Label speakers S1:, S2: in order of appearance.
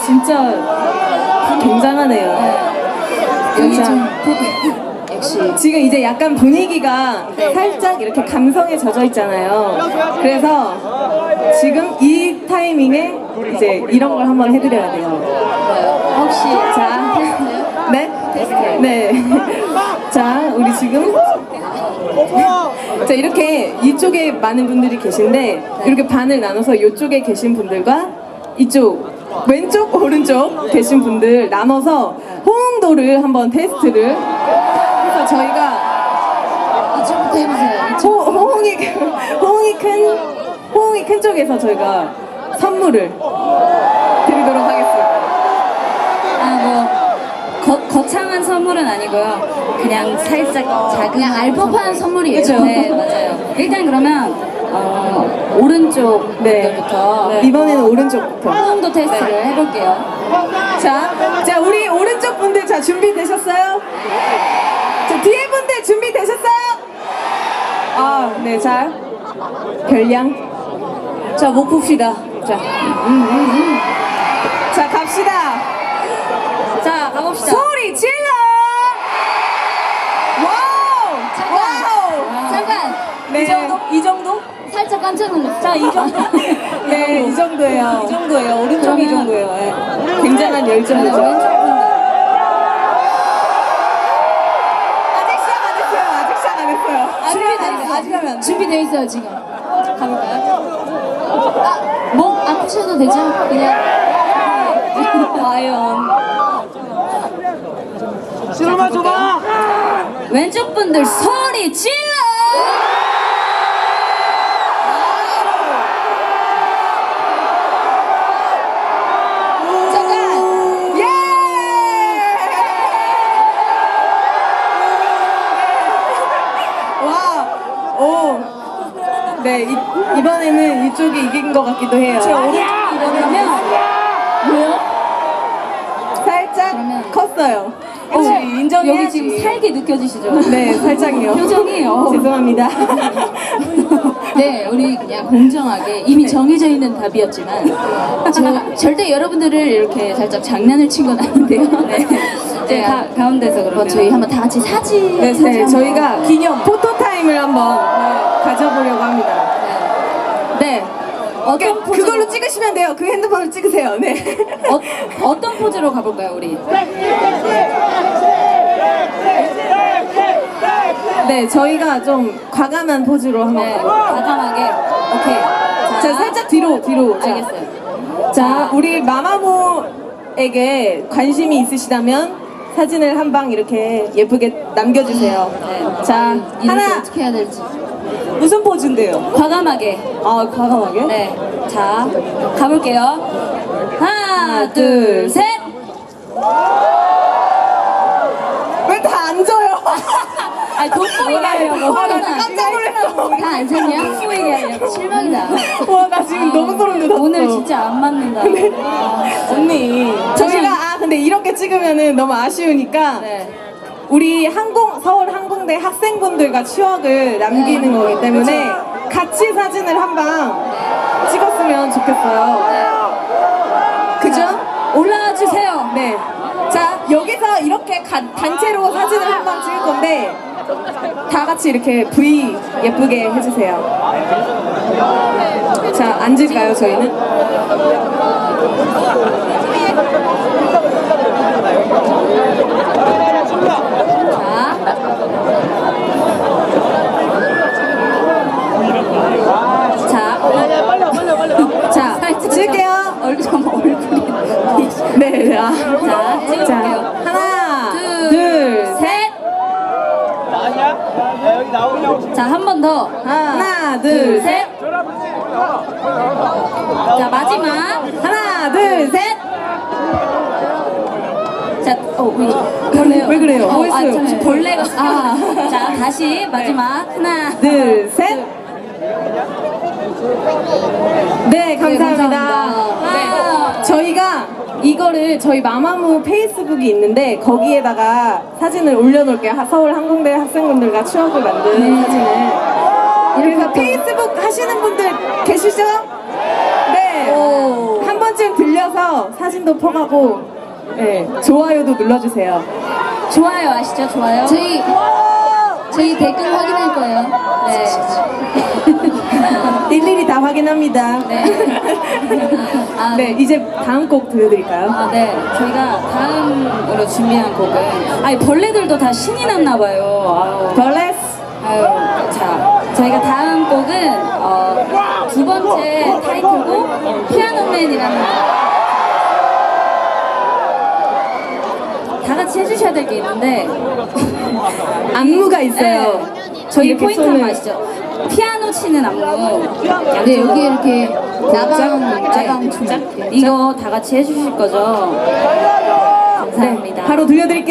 S1: 진짜 굉장하네요.
S2: 여기
S1: 진짜.
S2: 좀 역시
S1: 지금 이제 약간 분위기가 살짝 이렇게 감성에 젖어 있잖아요. 그래서 지금 이 타이밍에 이제 이런 걸 한번 해드려야 돼요.
S2: 혹시
S1: 자,
S2: 테스트요?
S1: 네?
S2: 테스트요?
S1: 네. 자, 우리 지금 자 이렇게 이쪽에 많은 분들이 계신데 이렇게 반을 나눠서 이쪽에 계신 분들과 이쪽 왼쪽 오른쪽 계신 분들 나눠서 호응도를 한번 테스트를 해서 저희가
S2: 이쪽부터 해보세요.
S1: 호응이 큰 쪽에서 저희가 선물을 드리도록 하겠습니다.
S2: 거창한 선물은 아니고요. 그냥 살짝 작은 그냥 알법한 선물이에요.
S1: 그쵸?
S2: 네, 맞아요. 일단 그러면 오른쪽 분들부터
S1: 네. 이번에는 오른쪽부터.
S2: 호응도 테스트를 해볼게요.
S1: 자, 우리 오른쪽 분들 자 준비되셨어요? 자, 뒤에 분들 준비되셨어요? 아, 네, 자, 별량.
S2: 자, 목 풉시다. 자,
S1: 자, 갑시다.
S2: 자, 가봅시다.
S1: 소리 질러! 와우! 와우!
S2: 잠깐.
S1: 네.
S2: 이 정도? 살짝 깜짝 놀랐어. 자, 이 정도?
S1: 네, 이 정도예요.
S2: 이 정도예요. 오른쪽 이 정도예요. 네.
S1: 굉장한 열정이죠.
S2: 왼쪽 분들.
S1: 아직 시작 안 했어요. 아직 시작 안 했어요.
S2: 아직 하면 안 돼. 준비되어 있어요, 지금. 가볼까요? 목 아프셔도 되죠? 그냥. 과연.
S3: 실험만 줘봐!
S2: 왼쪽 분들 소리 질러! 잠깐!
S1: 예! 와! 오! 네, 이번에는 이쪽이 이긴 것 같기도 해요.
S2: 이러면 뭐요?
S1: 살짝
S2: 그러면-
S1: 컸어요.
S2: 여기 지금 살게 느껴지시죠?
S1: 네, 살짝요.
S2: 표정이
S1: 죄송합니다.
S2: 네, 우리 그냥 공정하게 이미 정해져 있는 답이었지만 절대 여러분들을 이렇게 살짝 장난을 친 건 아닌데요. 네, 가운데서 그러면 저희 한번 다 같이 사진
S1: 네,
S2: 한번.
S1: 저희가 기념 포토타임을 한번 가져보려고 합니다. 네.
S2: 어떤 포즈로,
S1: 그걸로 찍으시면 돼요. 그 핸드폰으로 찍으세요. 네.
S2: 어떤 포즈로 가볼까요, 우리?
S1: 네, 저희가 좀 과감한 포즈로 한번.
S2: 네, 과감하게. 오케이.
S1: 자, 살짝 뒤로. 자.
S2: 알겠어요.
S1: 자, 우리 마마무에게 관심이 있으시다면 사진을 한 방 이렇게 예쁘게 남겨주세요.
S2: 네.
S1: 자,
S2: 이렇게
S1: 하나.
S2: 어떻게 해야 될지.
S1: 무슨 포즈인데요?
S2: 과감하게.
S1: 아, 과감하게?
S2: 네. 자, 가볼게요. 하나, 둘, 셋.
S1: 왜 다 앉아요?
S2: 아, 돋보이게 하려고.
S1: 아, 나 깜짝 놀랐어.
S2: 다 안 샀냐? 돋보이게 하려고. 실망이다.
S1: 와, 나 지금 너무 소름 돋았어.
S2: 오늘 진짜 안 맞는다.
S1: 언니, 저희가 근데 이렇게 찍으면은 너무 아쉬우니까
S2: 네.
S1: 우리 서울 항공대 학생분들과 추억을 남기는 거기 때문에 같이 사진을 한 방 찍었으면 좋겠어요. 그죠?
S2: 올라와 주세요.
S1: 네. 자, 여기서 이렇게 단체로 사진을 한 방 찍을 건데 다 같이 이렇게 V 예쁘게 해주세요. 자, 앉을까요, 저희는? 자, 찍을게요.
S2: 얼굴이.
S1: 네,
S2: 자, 찍어볼게요.
S1: 하나,
S2: 둘, 셋.
S3: 아니야? 야, 여기 나오냐고.
S2: 자, 한 번 더.
S1: 하나,
S2: 둘,
S1: 둘,
S2: 셋. 자, 마지막.
S1: 하나, 둘, 셋.
S2: 자, 벌레요.
S1: 왜 그래요? 뭐 했어요?
S2: 잠시 벌레가. 자, 다시 마지막. 하나,
S1: 둘, 셋. 네, 감사합니다.
S2: 네.
S1: 저희가 이거를 저희 마마무 페이스북이 있는데 거기에다가 사진을 올려놓을게요. 서울 항공대 학생분들과 추억을 만든 사진을. 그래서 페이스북 하시는 분들 계시죠? 네.
S2: 오.
S1: 한 번쯤 들려 이어서 사진도 퍼가고 네, 좋아요도 눌러주세요.
S2: 좋아요 아시죠? 좋아요. 저희 댓글 확인할 거예요. 네.
S1: 일일이 다 확인합니다.
S2: 네. 아,
S1: 네, 이제 다음 곡 들려드릴까요?
S2: 아, 네. 저희가 다음으로 준비한 곡은 아니 벌레들도 다 신이 났나 봐요.
S1: 벌레스.
S2: 아유, 자, 저희가 다음 곡은 두 번째 타이틀곡 피아노맨이라는 다 같이 해주셔야 될 게 있는데
S1: 안무가 있어요.
S2: 네, 저희
S1: 이렇게
S2: 포인트
S1: 손을-
S2: 한번 아시죠? 피아노 치는 안무.
S4: 네, 여기 이렇게
S2: 나방 춤 이거 다 같이 해주실 거죠? 감사합니다.
S1: 바로 들려드릴게요.